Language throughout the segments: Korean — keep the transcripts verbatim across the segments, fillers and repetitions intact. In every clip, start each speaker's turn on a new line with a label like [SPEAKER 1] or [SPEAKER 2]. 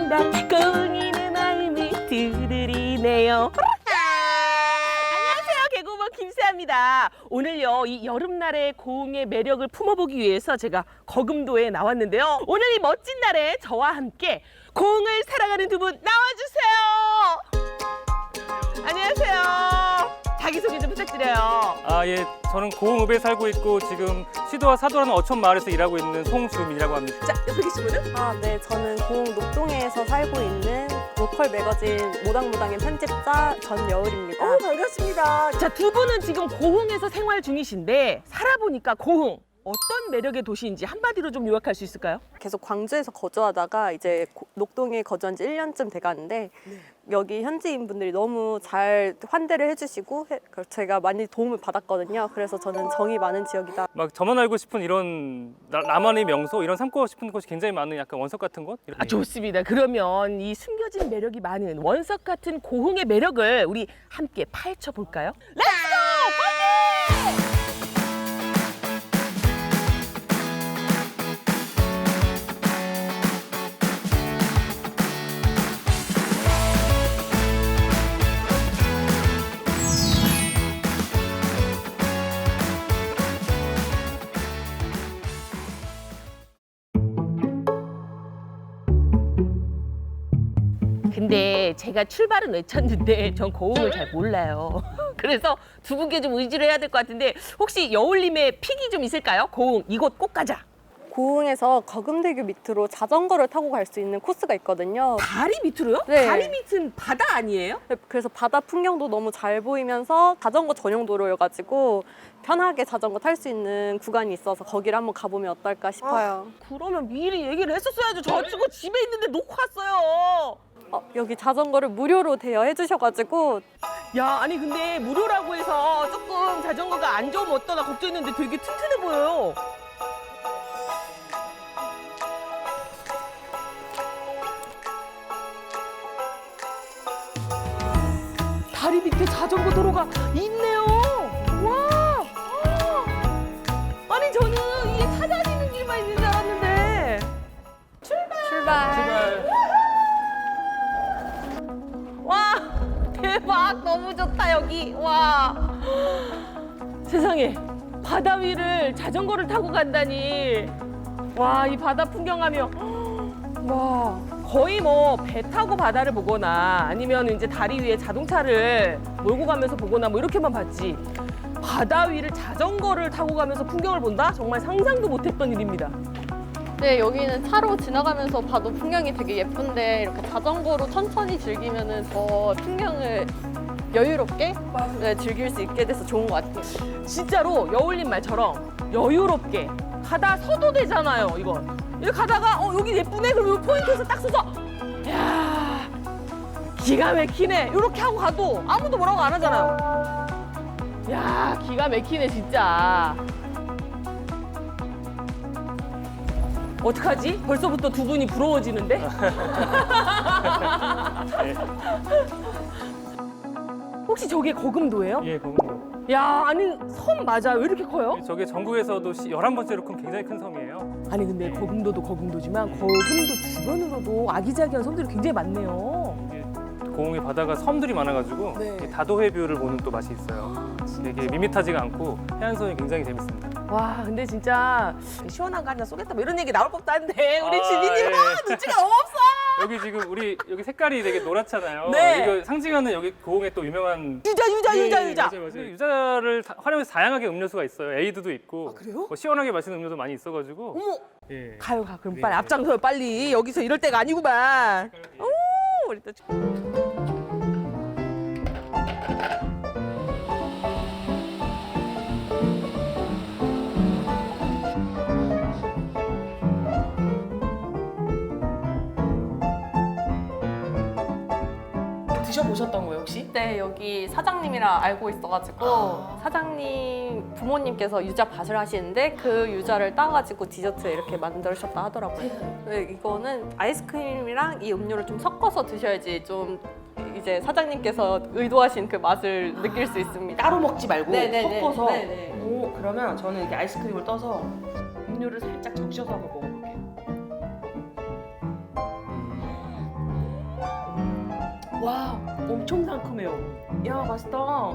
[SPEAKER 1] 콩닥 꽁이는 말미 들으리네요. 안녕하세요, 개그우먼 김세아입니다. 오늘요, 이 여름날의 고흥의 매력을 품어보기 위해서 제가 거금도에 나왔는데요. 오늘 이 멋진 날에 저와 함께 고흥을 사랑하는 두 분 나와주세요. 안녕하세요. 자기소개 좀 부탁드려요.
[SPEAKER 2] 아, 예. 저는 고흥읍에 살고 있고 지금 시도와 사도라는 어촌 마을에서 일하고 있는 송주민이라고 합니다.
[SPEAKER 1] 자, 옆에 계신 분은?
[SPEAKER 3] 아, 네. 저는 고흥 녹동에서 살고 있는 로컬 매거진 모당모당의 편집자 전여울입니다.
[SPEAKER 1] 어, 반갑습니다. 자, 두 분은 지금 고흥에서 생활 중이신데 살아보니까 고흥 어떤 매력의 도시인지 한마디로 좀 요약할 수 있을까요?
[SPEAKER 3] 계속 광주에서 거주하다가 이제 고- 녹동에 거주한 지 일 년쯤 돼가는데
[SPEAKER 1] 네.
[SPEAKER 3] 여기 현지인 분들이 너무 잘 환대를 해주시고 해- 그 제가 많이 도움을 받았거든요. 그래서 저는 정이 많은 지역이다.
[SPEAKER 2] 막 저만 알고 싶은 이런 나, 나만의 명소, 이런 삼고 싶은 곳이 굉장히 많은 약간 원석 같은 곳? 이런-
[SPEAKER 1] 아, 좋습니다. 그러면 이 숨겨진 매력이 많은 원석 같은 고흥의 매력을 우리 함께 파헤쳐 볼까요? 렛츠고! 파이팅! 근데 제가 출발은 외쳤는데 전 고흥을 잘 몰라요. 그래서 두 분께 좀 의지를 해야 될 것 같은데 혹시 여울님의 픽이 좀 있을까요? 고흥 이곳 꼭 가자.
[SPEAKER 3] 고흥에서 거금대교 밑으로 자전거를 타고 갈 수 있는 코스가 있거든요.
[SPEAKER 1] 다리 밑으로요?
[SPEAKER 3] 네.
[SPEAKER 1] 다리 밑은 바다 아니에요?
[SPEAKER 3] 그래서 바다 풍경도 너무 잘 보이면서 자전거 전용 도로여가지고 편하게 자전거 탈 수 있는 구간이 있어서 거기를 한번 가보면 어떨까 싶어요.
[SPEAKER 1] 그러면 미리 얘기를 했었어야죠. 저 친구 집에 있는데 놓고 왔어요.
[SPEAKER 3] 어, 여기 자전거를 무료로 대여해 주셔가지고
[SPEAKER 1] 야, 아니 근데 무료라고 해서 조금 자전거가 안 좋으면 어떠나 걱정했는데 되게 튼튼해 보여요. 다리 밑에 자전거 도로가 있네요. 와! 아니 저는 이게 타 다니는 길만 있는 줄 알았는데.
[SPEAKER 3] 출발.
[SPEAKER 1] 와, 대박. 너무 좋다 여기. 와. 세상에, 바다 위를 자전거를 타고 간다니. 와, 이 바다 풍경하며 와, 거의 뭐 배 타고 바다를 보거나 아니면 이제 다리 위에 자동차를 몰고 가면서 보거나 뭐 이렇게만 봤지, 바다 위를 자전거를 타고 가면서 풍경을 본다? 정말 상상도 못했던 일입니다.
[SPEAKER 4] 네, 여기는 차로 지나가면서 봐도 풍경이 되게 예쁜데 이렇게 자전거로 천천히 즐기면은 더 풍경을 여유롭게 네, 즐길 수 있게 돼서 좋은 것 같아요.
[SPEAKER 1] 진짜로 여울님 말처럼 여유롭게 가다 서도 되잖아요, 이건. 이렇게 가다가 어 여기 예쁘네, 그리고 포인트에서 딱 서서 야, 기가 막히네 이렇게 하고 가도 아무도 뭐라고 안 하잖아요. 야, 기가 막히네 진짜. 어떡하지? 벌써부터 두 분이 부러워지는데? 혹시 저게 거금도예요?
[SPEAKER 2] 예, 고흥.
[SPEAKER 1] 야, 아니 섬 맞아요. 왜 이렇게 커요?
[SPEAKER 2] 저게 전국에서도 시- 열한 번째로 큰 굉장히 큰 섬이에요.
[SPEAKER 1] 아니 근데 거금도도 거금도지만 거금도 주변으로도 아기자기한 섬들이 굉장히 많네요.
[SPEAKER 2] 이게 고흥의 바다가 섬들이 많아가지고
[SPEAKER 1] 네.
[SPEAKER 2] 이렇게 다도해 뷰를 보는 또 맛이 있어요. 되게 밋밋하지가 않고 해안선이 굉장히 재밌습니다.
[SPEAKER 1] 와, 근데 진짜 시원한 거 하나 쏘겠다 뭐 이런 얘기 나올 법도 한데 우리
[SPEAKER 2] 아,
[SPEAKER 1] 주민님
[SPEAKER 2] 예.
[SPEAKER 1] 아, 눈치가 너무 없어.
[SPEAKER 2] 여기 지금 우리 여기 색깔이 되게 노랗잖아요.
[SPEAKER 1] 네.
[SPEAKER 2] 이거 상징하는 여기 고흥의 또 유명한
[SPEAKER 1] 유자 유자
[SPEAKER 2] 예,
[SPEAKER 1] 유자
[SPEAKER 2] 예,
[SPEAKER 1] 유자.
[SPEAKER 2] 맞아요, 맞아요. 유자를 다- 활용해서 다양하게 음료수가 있어요. 에이드도 있고.
[SPEAKER 1] 아, 그래요?
[SPEAKER 2] 뭐 시원하게 마시는 음료도 많이 있어가지고.
[SPEAKER 1] 어머,
[SPEAKER 2] 예.
[SPEAKER 1] 가요 가. 그럼
[SPEAKER 2] 네,
[SPEAKER 1] 빨리
[SPEAKER 2] 네.
[SPEAKER 1] 앞장서요 빨리. 여기서 이럴 때가 아니구만. 오, 우리 또. 드셔보셨던 거예요 혹시?
[SPEAKER 3] 네, 여기 사장님이랑 알고 있어가지고
[SPEAKER 1] 아.
[SPEAKER 3] 사장님 부모님께서 유자 밭을 하시는데 그 유자를 따가지고 디저트 이렇게 만드셨다 하더라고요. 네, 이거는 아이스크림이랑 이 음료를 좀 섞어서 드셔야지 좀 이제 사장님께서 의도하신 그 맛을 느낄 수 있습니다.
[SPEAKER 1] 따로 먹지 말고
[SPEAKER 3] 네네네.
[SPEAKER 1] 섞어서.
[SPEAKER 3] 네네.
[SPEAKER 1] 오, 그러면 저는 이렇게 아이스크림을 떠서 음료를 살짝 적셔서 한번 먹어볼게요. 와, 엄청 상큼해요. 야, 맛있다.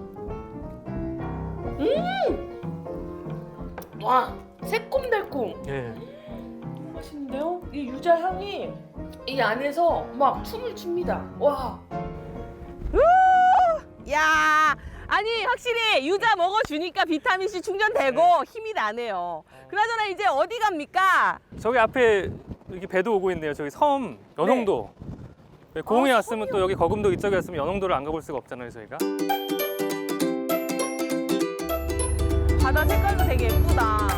[SPEAKER 1] 음! 와, 새콤달콤.
[SPEAKER 2] 예.
[SPEAKER 1] 맛있는데요? 이 유자 향이 이 안에서 막 춤을 춥니다. 와. 야, 아니 확실히 유자 먹어주니까 비타민 C 충전되고 힘이 나네요. 그나저나 이제 어디 갑니까?
[SPEAKER 2] 저기 앞에 이렇게 배도 오고 있네요. 저기 섬 연홍도. 네, 고흥에
[SPEAKER 1] 아,
[SPEAKER 2] 왔으면 또 여기 거금도 이쪽에 왔으면 연홍도를 안 가볼 수가 없잖아요, 저희가.
[SPEAKER 1] 바다 색깔도 되게 예쁘다.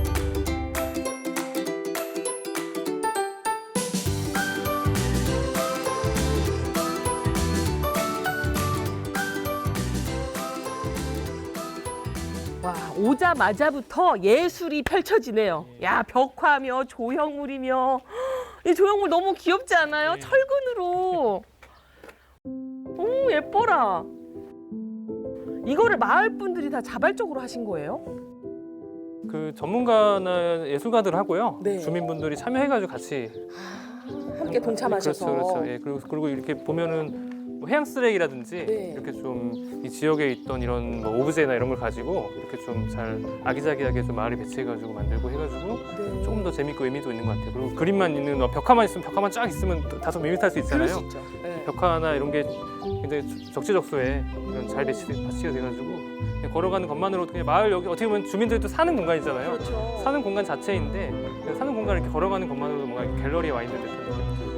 [SPEAKER 1] 와, 오자마자부터 예술이 펼쳐지네요. 야, 벽화며 조형물이며. 이 조형물 너무 귀엽지 않아요?
[SPEAKER 2] 네.
[SPEAKER 1] 철근으로. 오, 예뻐라. 이거를 마을 분들이 다 자발적으로 하신 거예요?
[SPEAKER 2] 그 전문가나 예술가들 하고요.
[SPEAKER 1] 네.
[SPEAKER 2] 주민분들이 참여해가지고 같이.
[SPEAKER 1] 함께 동참하셔서.
[SPEAKER 2] 그렇죠, 그렇죠. 예, 그리고, 그리고 이렇게 보면은 뭐 해양 쓰레기라든지
[SPEAKER 1] 네.
[SPEAKER 2] 이렇게 좀 이 지역에 있던 이런 뭐 오브제나 이런 걸 가지고 이렇게 좀 잘 아기자기하게 좀 마을에 배치해가지고 만들고 해가지고
[SPEAKER 1] 네.
[SPEAKER 2] 조금 더 재밌고 의미도 있는 것 같아요. 그리고 그림만 있는 어, 벽화만 있으면 벽화만 쫙 있으면 또 다소 밋밋할 수
[SPEAKER 1] 그럴
[SPEAKER 2] 있잖아요.
[SPEAKER 1] 수 있죠. 네.
[SPEAKER 2] 벽화나 이런 게 굉장히 적재적소에 이런 잘 배치, 배치가 돼가지고 그냥 걸어가는 것만으로도 그냥 마을 여기 어떻게 보면 주민들도 사는 공간이잖아요.
[SPEAKER 1] 그렇죠.
[SPEAKER 2] 사는 공간 자체인데 그냥 사는 공간을 이렇게 걸어가는 것만으로도 뭔가 이렇게 갤러리에 와 있는 듯한 느낌이 들고.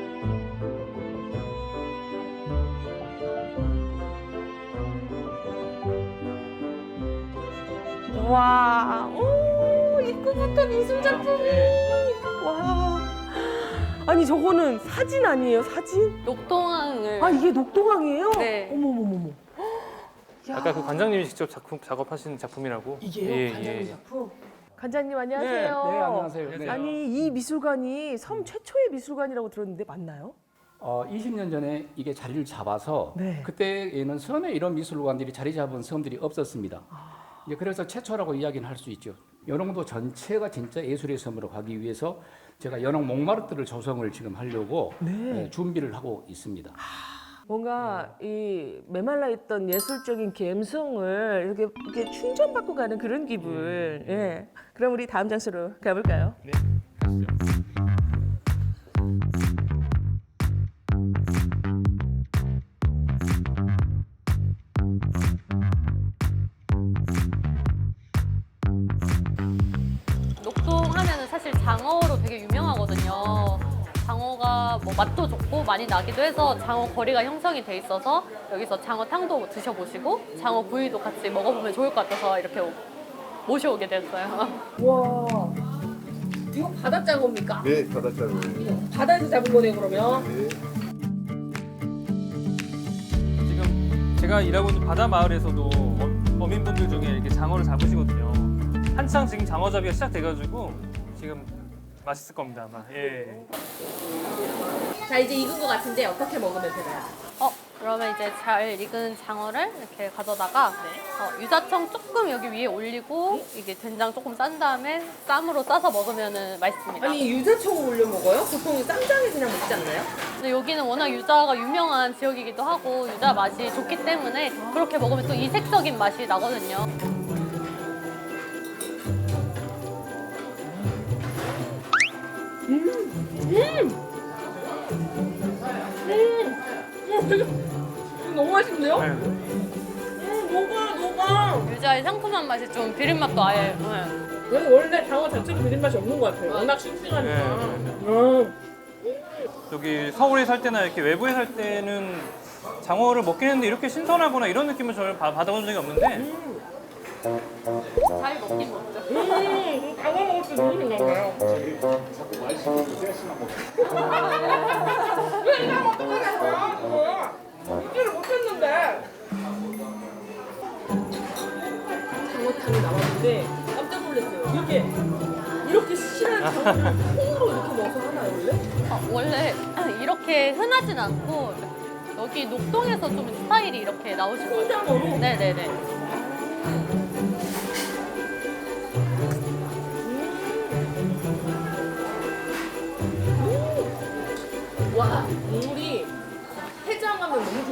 [SPEAKER 1] 와, 오, 입구부터 미술 작품이. 와. 아니, 저거는 사진 아니에요, 사진?
[SPEAKER 3] 녹동항을
[SPEAKER 1] 아, 이게 녹동항이에요?
[SPEAKER 3] 네.
[SPEAKER 1] 어머머머머. 야.
[SPEAKER 2] 아까 그 관장님이 직접 작품 작업하신 작품이라고.
[SPEAKER 1] 이게요?
[SPEAKER 2] 예,
[SPEAKER 1] 관장님
[SPEAKER 2] 예.
[SPEAKER 1] 작품? 관장님 안녕하세요.
[SPEAKER 5] 네, 네, 안녕하세요. 네.
[SPEAKER 1] 아니, 이 미술관이 섬 최초의 미술관이라고 들었는데 맞나요?
[SPEAKER 5] 어, 이십 년 전에 이게 자리를 잡아서
[SPEAKER 1] 네.
[SPEAKER 5] 그때에는 섬에 이런 미술관들이 자리 잡은 섬들이 없었습니다.
[SPEAKER 1] 아.
[SPEAKER 5] 이제 그래서 최초라고 이야기는 할 수 있죠. 연홍도 전체가 진짜 예술의 섬으로 가기 위해서 제가 연홍 몽마르트를 조성을 지금 하려고
[SPEAKER 1] 네.
[SPEAKER 5] 예, 준비를 하고 있습니다.
[SPEAKER 1] 뭔가 이 메말라 있던 예술적인 감성을 이렇게, 이렇게 충전받고 가는 그런 기분. 예. 그럼 우리 다음 장소로 가볼까요?
[SPEAKER 2] 네, 가시죠.
[SPEAKER 3] 녹동하면은 사실 장어로 되게 유명하거든요. 장어가 뭐 맛도 좋고 많이 나기도 해서 장어 거리가 형성이 돼 있어서 여기서 장어탕도 드셔보시고 장어 구이도 같이 먹어보면 좋을 것 같아서 이렇게 오- 모셔오게 됐어요.
[SPEAKER 1] 와, 이거 바다 장어입니까?
[SPEAKER 6] 네, 바닷가로.
[SPEAKER 1] 바다에서 잡은 거네 그러면.
[SPEAKER 6] 네.
[SPEAKER 2] 지금 제가 일하고 있는 바다 마을에서도 어- 어민분들 중에 이렇게 장어를 잡으시거든요. 한창 지금 장어잡이가 시작돼가지고 지금 맛있을 겁니다 아마. 예.
[SPEAKER 1] 자, 이제 익은 거 같은데 어떻게 먹으면 되나요?
[SPEAKER 3] 어, 그러면 이제 잘 익은 장어를 이렇게 가져다가 어, 유자청 조금 여기 위에 올리고 이게 된장 조금 싼 다음에 쌈으로 싸서 먹으면 맛있습니다.
[SPEAKER 1] 아니, 유자청을 올려 먹어요? 보통 쌈장에 그냥 먹지 않나요?
[SPEAKER 3] 근데 여기는 워낙 유자가 유명한 지역이기도 하고 유자 맛이 좋기 때문에 그렇게 먹으면 또 이색적인 맛이 나거든요.
[SPEAKER 1] 너무 맛있는데요?
[SPEAKER 2] 네.
[SPEAKER 1] 음, 녹아, 녹아.
[SPEAKER 3] 유자의 상큼한 맛이 좀 비린 맛도 아예. 네.
[SPEAKER 1] 여기 원래 장어 자체로 비린 맛이 없는 것 같아요. 워낙 싱싱하니까.
[SPEAKER 2] 네,
[SPEAKER 1] 음.
[SPEAKER 2] 여기 서울에 살 때나 이렇게 외부에 살 때는 장어를 먹긴 했는데 이렇게 신선하거나 이런 느낌을 저는 받- 받아본 적이 없는데
[SPEAKER 3] 잘 먹긴 먹죠.
[SPEAKER 1] 음, 장어 먹을 때 너무 생각나요. 왜 이거 먹고 그래요? 이제를 못했는데. 장어탕이 나왔는데 깜짝 놀랐어요. 이렇게 이렇게 실한 장어를 콩으로 이렇게 넣어서 하나요 원래?
[SPEAKER 3] 어, 원래 이렇게 흔하진 않고 여기 녹동에서 좀 스타일이 이렇게 나오신 거예요.
[SPEAKER 1] 콩장어로?
[SPEAKER 3] 네네네.
[SPEAKER 1] 와, 국물이 해장어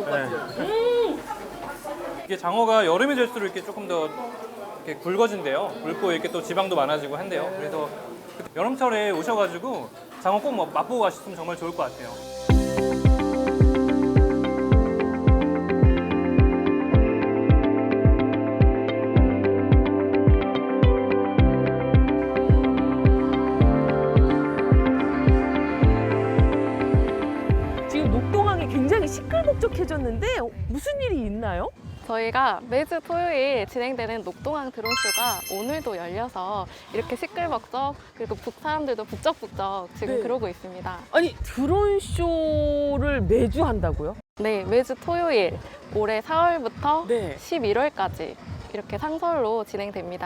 [SPEAKER 2] 네. 이게 장어가 여름이 될수록 이렇게 조금 더 이렇게 굵어진대요. 굵고 이렇게 또 지방도 많아지고 한대요. 그래서 여름철에 오셔가지고 장어 꼭 맛보고 가셨으면 정말 좋을 것 같아요.
[SPEAKER 1] 지금 녹동항이 굉장히 시끌벅적해졌는데 무슨 일이 있나요?
[SPEAKER 4] 저희가 매주 토요일 진행되는 녹동항 드론쇼가 오늘도 열려서 이렇게 시끌벅적 그리고 북 사람들도 북적북적 지금
[SPEAKER 1] 네.
[SPEAKER 4] 그러고 있습니다.
[SPEAKER 1] 아니 드론 쇼를 매주 한다고요?
[SPEAKER 4] 네, 매주 토요일 올해 사월부터
[SPEAKER 1] 네.
[SPEAKER 4] 십일월까지 이렇게 상설로 진행됩니다.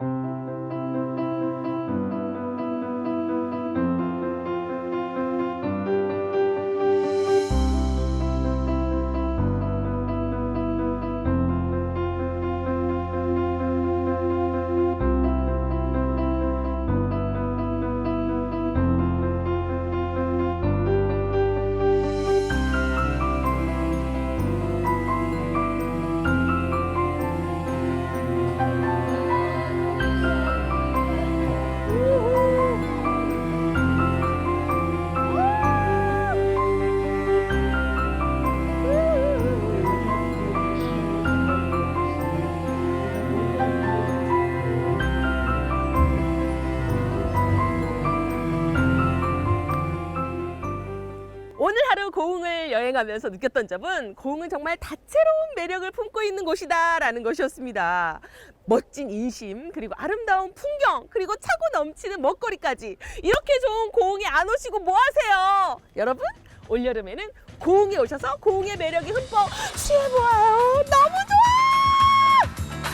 [SPEAKER 1] 오늘 하루 고흥을 여행하면서 느꼈던 점은 고흥은 정말 다채로운 매력을 품고 있는 곳이다라는 것이었습니다. 멋진 인심, 그리고 아름다운 풍경, 그리고 차고 넘치는 먹거리까지 이렇게 좋은 고흥에 안 오시고 뭐 하세요? 여러분, 올여름에는 고흥에 오셔서 고흥의 매력이 흠뻑 취해보아